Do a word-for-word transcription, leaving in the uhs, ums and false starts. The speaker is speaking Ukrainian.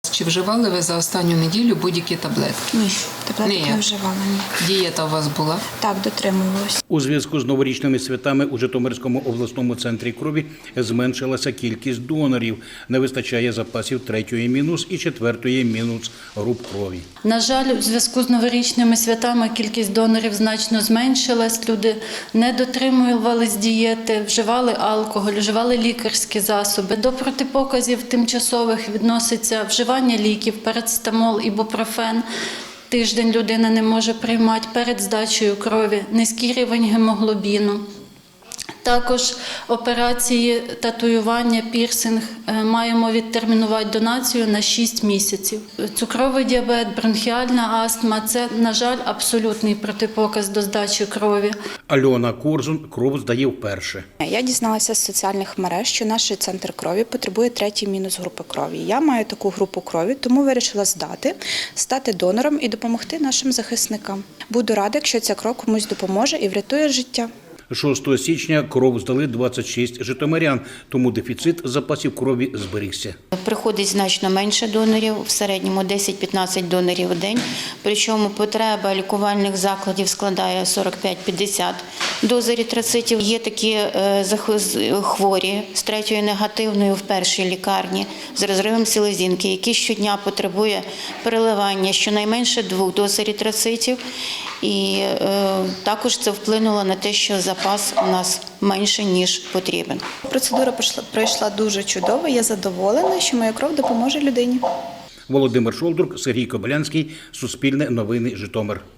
Чи вживали ви за останню неділю будь-які таблетки? Ні, таблеток Ні. не вживала. Ні. Дієта у вас була? Так, дотримувалась. У зв'язку з новорічними святами у Житомирському обласному центрі крові зменшилася кількість донорів. Не вистачає запасів третьої мінус і четвертої мінус груп крові. На жаль, у зв'язку з новорічними святами кількість донорів значно зменшилась. Люди не дотримувались дієти, вживали алкоголь, вживали лікарські засоби. До протипоказів тимчасових відноситься вживання ліків, парацетамол, ібупрофен. Тиждень людина не може приймати перед здачею крові, низький рівень гемоглобіну. Також операції, татуювання, пірсинг маємо відтермінувати донацію на шість місяців. Цукровий діабет, бронхіальна астма – це, на жаль, абсолютний протипоказ до здачі крові. Альона Корзун кров здає вперше. Я дізналася з соціальних мереж, що наш центр крові потребує третій мінус групи крові. Я маю таку групу крові, тому вирішила здати, стати донором і допомогти нашим захисникам. Буду рада, якщо ця кров комусь допоможе і врятує життя. шостого січня кров здали двадцять шість житомирян, тому дефіцит запасів крові зберігся. Приходить значно менше донорів, в середньому десять-п'ятнадцять донорів у день, причому потреба лікувальних закладів складає сорок п'ять - п'ятдесят доз еритроцитів. Є такі хворі з третьою негативною в першій лікарні з розривом селезінки, які щодня потребує переливання щонайменше двох доз еритроцитів. І е, також це вплинуло на те, що запас у нас менше, ніж потрібен. Процедура пройшла дуже чудово, я задоволена, що моя кров допоможе людині. Володимир Шолдрук, Сергій Кобилянський, Суспільне новини, Житомир.